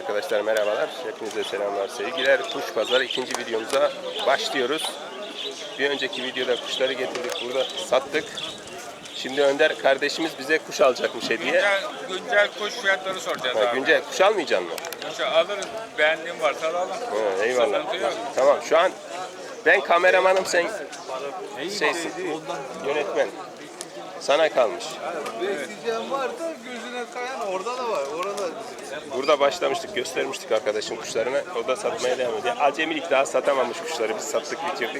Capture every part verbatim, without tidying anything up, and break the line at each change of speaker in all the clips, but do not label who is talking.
Arkadaşlar merhabalar. Hepinize selamlar, sevgiler. Kuş Pazarı ikinci videomuza başlıyoruz. Bir önceki videoda kuşları getirdik, burada sattık. Şimdi Önder kardeşimiz bize kuş alacakmış hediye.
Güncel, güncel kuş fiyatları soracağız
Ha,
abi.
güncel kuş almayacaksın mı?
Kuşu alırız. Beğendiğim varsa alalım.
Ha, eyvallah.
Sıkıntı yok.
Tamam, şu an ben kameramanım, sen şeysin, yönetmen. Sana kalmış.
Besleyeceğim varsa gözüne kayan orada da var. Orada.
Burada başlamıştık, göstermiştik arkadaşın kuşlarını. O da satmaya devam ediyor. Acemilik daha satamamış kuşları. Biz sattık, bitirdik.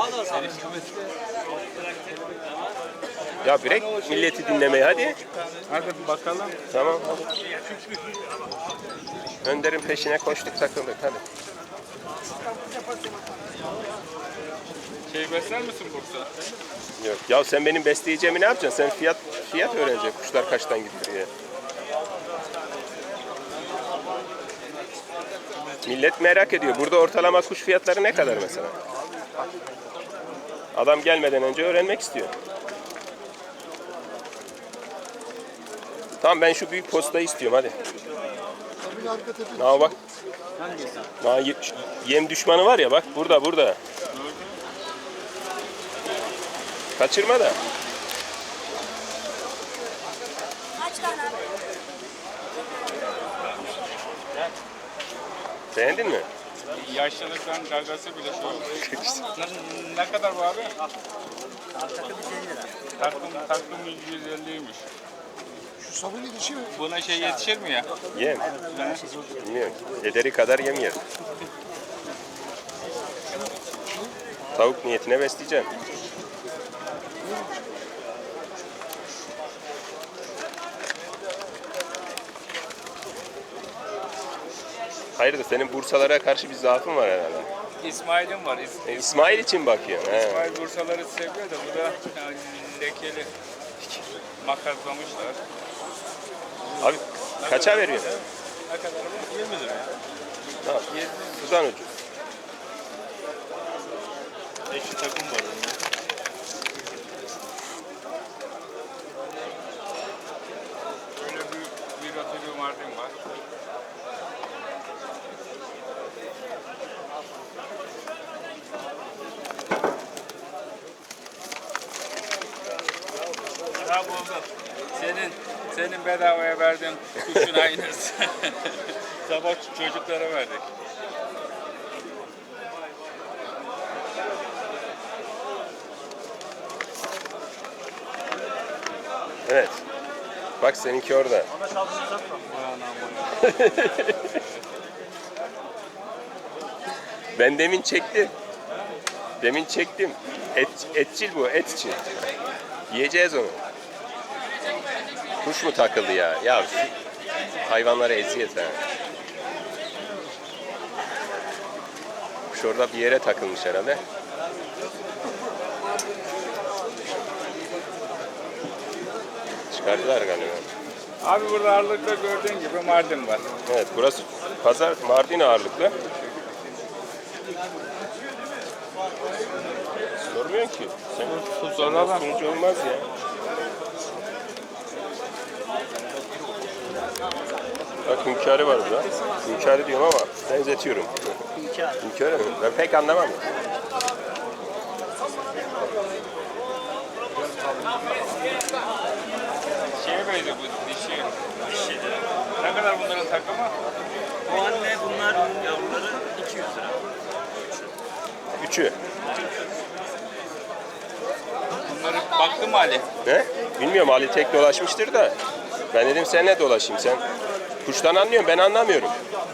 Ya bırak milleti dinlemeyi hadi.
Hadi bakalım.
Tamam hadi. Önder'in peşine koştuk, takıldık hadi.
Şey besler misin Bursa?
Yok. Ya sen benim besleyeceğimi ne yapacaksın? Sen fiyat fiyat öğreneceksin. Kuşlar kaçtan gitti diye. Millet merak ediyor. Burada ortalama kuş fiyatları ne kadar mesela? Adam gelmeden önce öğrenmek istiyor. Tamam, ben şu büyük postayı istiyorum hadi. Na bak. Na yem düşmanı var ya, bak burada burada. Kaçırma da.
Kaç tane abi?
Beğendin mi?
Yaşlılıktan gagası bile şey oldu. ne, ne kadar bu abi?
Takım yüz elli lira.
Takım, takım yüz elliymiş.
Şu sabun yetişiyor.
Buna şey yetişir mi ya?
Yem. Bilmiyorum. Yederi kadar yem yer. Tavuk niyetine besleyeceğim. Hayırdır, senin Bursalara karşı bir zaafın var herhalde.
İsmail'im var. İs-
E, İsmail için bakıyorsun. He.
İsmail Bursaları seviyor da bu da yani lekeli makaslamışlar.
Abi kaça veriyorsun?
Ne kadar bu? yirmi lira ya.
Ha, sudan ucuz.
Eşi takım var onun. Böyle bir, bir atölye Mardin var. Ha buldum. Senin senin bedavaya verdiğin kuşun aynısı. Sabah çocuklara verdik.
Evet. Bak seninki orada. Ben demin çektim. Demin çektim. Et, etçil bu, etçil. Yiyeceğiz onu. Kuş mu takıldı ya? Ya şu hayvanlara eziyet ha. Kuş orada bir yere takılmış herhalde. Çıkardılar galiba.
Abi burada ağırlıkta gördüğün gibi Mardin var.
Evet, burası pazar Mardin ağırlıklı. Sormuyor ki. Sen
Soralım.
sunucu olmaz ya. Bak hünkârı var burada. Hünkârı diyorum ama benzetiyorum.
Hünkâr.
Hünkârı mı? Ben pek anlamam.
Şeye benziyor bu dişi. Dişi. Ne kadar bunların takımı?
Bu anne bunlar yavruları iki yüz lira.
Üçü.
Bunları baktın mı Ali?
Ne? Bilmiyorum, Ali tek dolaşmıştır da. Ben dedim seninle dolaşayım, sen kuştan anlıyorsun, ben anlamıyorum.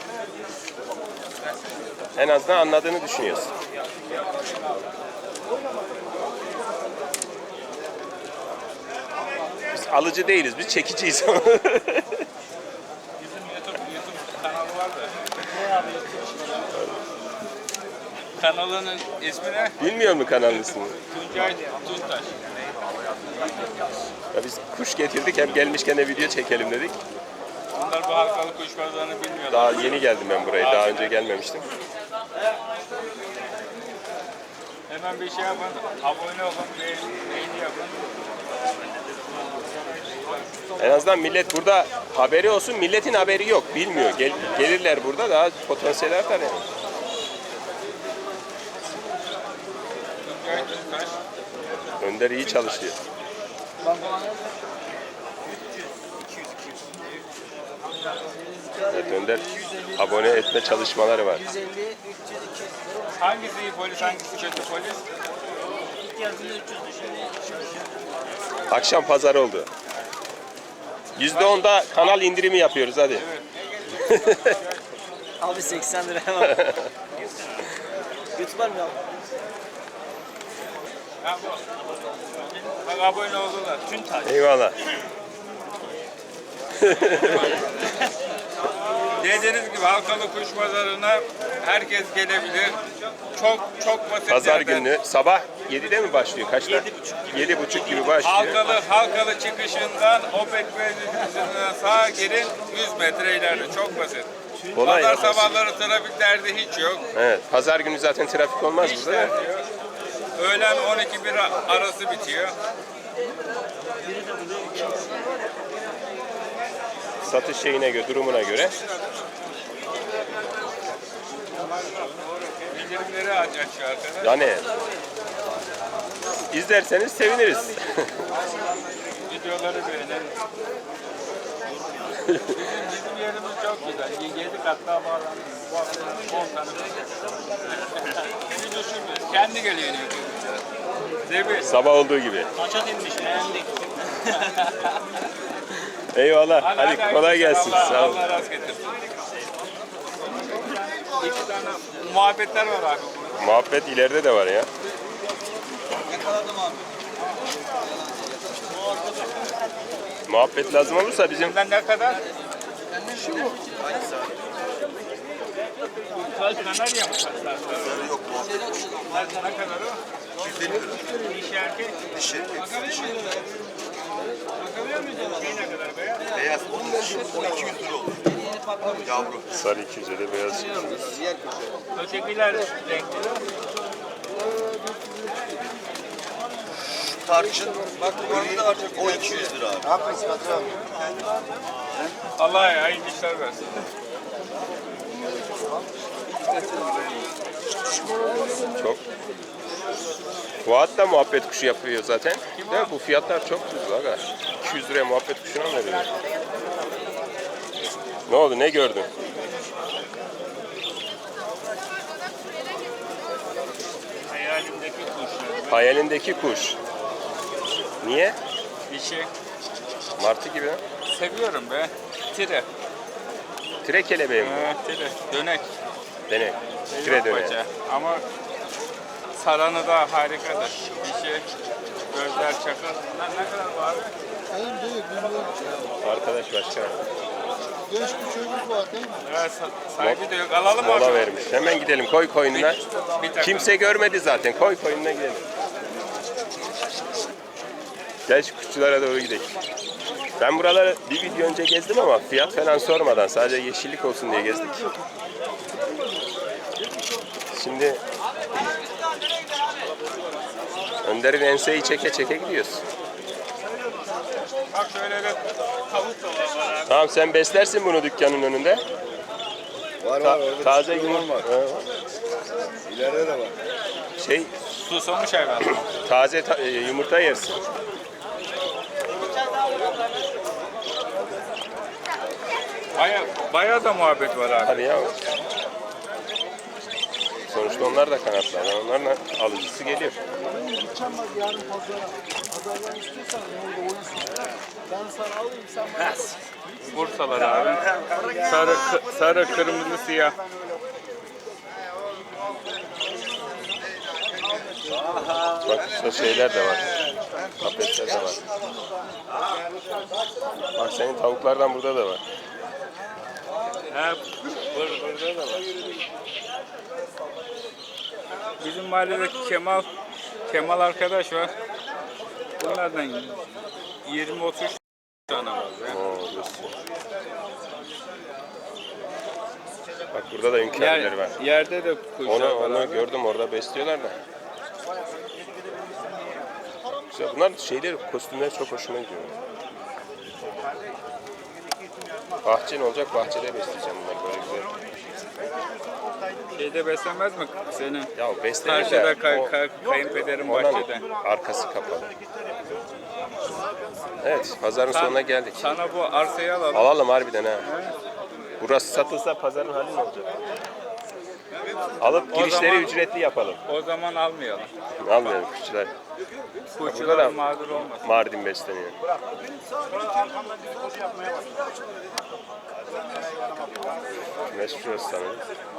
En azından anladığını düşünüyorsun. Biz alıcı değiliz, biz çekiciyiz.
Bizim YouTube, YouTube kanalı var da.
Ne abi?
Kanalının ismi ne?
Bilmiyor mu kanalın ismini?
Tuncay Tuntaş.
Ya biz kuş getirdik, hem gelmişken de video çekelim dedik.
Bunlar bu halkalı kuş pazarını bilmiyorlar.
Daha yeni geldim ben buraya, daha önce gelmemiştim.
Hemen bir şey yapın, abone olun, beğeni, beğeni yapın.
En azından millet burada haberi olsun. Milletin haberi yok. Bilmiyor. Gel, gelirler burada daha potansiyel artar yani. Önder iyi çalışıyor. Evet, Önder abone etme çalışmaları var.
yüz elli, üç yüz, iki yüz.
Hangisi iyi polis, hangisi kötü polis?
İlk geldiğinde üç yüzdü, şimdi
Akşam pazar oldu. yüzde onda kanal indirimi yapıyoruz hadi.
abi seksen lira hemen. YouTuber mi abi?
Ha, bu. Bak abone oldular. Tüntaş.
Eyvallah.
Dediğiniz gibi Halkalı Kuş Pazarı'na herkes gelebilir. Çok çok basit
Pazar
yerden.
günü sabah yedide mi başlıyor? Kaçta?
Yedi buçuk gibi.
yedi buçuk gibi başlıyor.
Halkalı Halkalı çıkışından Opet Belediyesi'ne sağa girin yüz metre ileride. Çok basit.
Kolay.
Pazar sabahları trafik derdi hiç yok.
Evet, pazar günü zaten trafik olmaz
Hiç
burada. da.
derdi yok. Öğlen on iki bir arası bitiyor.
Satış şeyine göre, durumuna göre.
Bildirimleri aç şu arkadaş.
Yani izlerseniz seviniriz.
Videoları beğenin. Bizim, bizim yerimiz çok güzel. Yedi kat daha bağlandı. Bu hafta on tane. Hiç düşünmüyoruz. Kendi geliyor YouTube. Değil mi?
Sabah olduğu gibi.
Maça dinmiş, beğendik.
Eyvallah. Hadi kolay gelsin.
Allah,
Sağ olun.
Allah razı getirsin. İki tane muhabbetler var abi.
Muhabbet ileride de var ya.
Yakaladım abi.
Muhabbet lazım olursa bizim
Bundan ne kadar? Kanarya mı saçlar?
Yok bu.
Ne kadar o?
yüz elli lira.
Dişi erkek.
Dişi.
Bakabiliyor muyuz ona? Şey ne kadar beyaz?
Beyaz. Onun dişi. O iki yüz lira olur. Yavru.
sarı iki yüz elli beyaz.
Diğer köşe.
Ötekiler renkli.
Tarçın. Bak gri. O iki yüz lira abi. Haklısın patron.
Allah hayırlı işler versin.
Çok. Fuat da muhabbet kuşu yapıyor zaten. Değil mi? Bu fiyatlar çok tuzlu aga. iki yüz liraya muhabbet kuşuna mı veriyor? Ne oldu? Ne gördün?
Hayalimdeki kuş.
Hayalindeki kuş. Niye?
Dişi.
Martı gibi. ha?
Seviyorum be. Tire.
Tire kelebeği mi?
Evet, tire. Dönek.
Dene. Tire döne.
Paça. Ama saranı da harikadır. Dişi. Gözler çakır. Lan ne kadar bu abi?
En büyük bilmiyorum.
Arkadaş başka.
Genç bir çocuk var değil mi?
Evet, sa- sahibi de yok. Alalım mı
Mola
abi?
vermiş. Hemen gidelim. Koy koyununa.
Bir takım.
Kimse görmedi zaten. Koy koyununa gidelim. Gel şu kuşçulara doğru gidelim. Ben buraları bir video önce gezdim ama fiyat falan sormadan sadece yeşillik olsun diye gezdik. Şimdi Önder'in enseyi çeke çeke gidiyoruz.
Bak şöyle de tavuk da var abi.
Tamam sen beslersin bunu dükkanın önünde.
Var
Ta-
var. Orada
taze
küçük
yumurta
olan var. İleride de var.
şey
Susamış hayvan.
taze ta- e, yumurta yersin.
Baya, baya da muhabbet var abi.
Hadi ya. Sonuçta onlar da kanatlar. Onların alıcısı geliyor.
Gideceğim bak yarın pazara. Pazardan istiyorsan orada oyunsun. Ben sana alayım sen bana.
Bursalar abi. Sarı, kı- sarı, kırmızı, siyah.
Bak işte şeyler de var. Kafesler de var. Bak senin tavuklardan burada da var.
He, bur, burada da var. Bizim mahalledeki Kemal, Kemal arkadaş var. Bunlardan yirmi otuz tane var. be.
Oo, diyorsun. Bak burada da hünkârlar var.
Yer, yerde de kuşlar
Onu,
var
onu
abi.
gördüm orada besliyorlar da. Güzel. Bunlar şeyler, kostümler çok hoşuma gidiyor. Bahçen olacak, bahçede besleyeceğim bunları böyle güzel.
Şeyde beslenmez mi senin?
Ya beslenir
Karşıda
de
kay,
o-
kay, kayınpederin
Onun
bahçede.
arkası kapalı. Evet, pazarın
Sen-
sonuna geldik.
Sana bu arsayı alalım.
Alalım harbiden ha. Burası satılsa pazarın hali ne olacak? Alıp
O
girişleri
zaman-
ücretli yapalım.
O zaman almayalım.
Almayalım kuşçular. Burada
Kuşçular
da
mağdur olmasın.
Mardin besleniyor. Güneş şurası sanırım.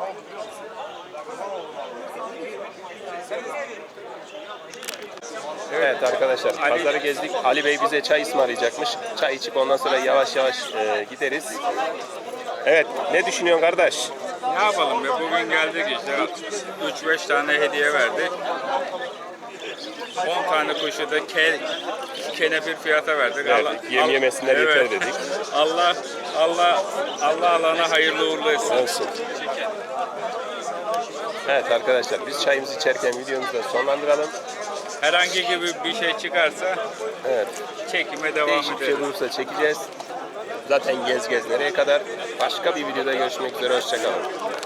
Evet arkadaşlar, pazarı gezdik. Ali Bey bize çay ısmarlayacakmış. Çay içip ondan sonra yavaş yavaş e, gideriz. Evet, ne düşünüyorsun kardeş?
Ne yapalım ya, bugün geldik işte üç beş tane hediye verdik. on tane kuşu da ke, kenefir fiyata verdik.
Verdik, yem yemesinler yeter dedik.
Allah Allah Allah alana hayırlı uğurlu etsin.
Olsun. Evet arkadaşlar, biz çayımızı içerken videomuzu da sonlandıralım.
Herhangi gibi bir şey çıkarsa
Evet,
çekime devam
değişik bir şey
edelim.
olursa çekeceğiz. Zaten gez gez nereye kadar. Başka bir videoda görüşmek üzere, hoşçakalın.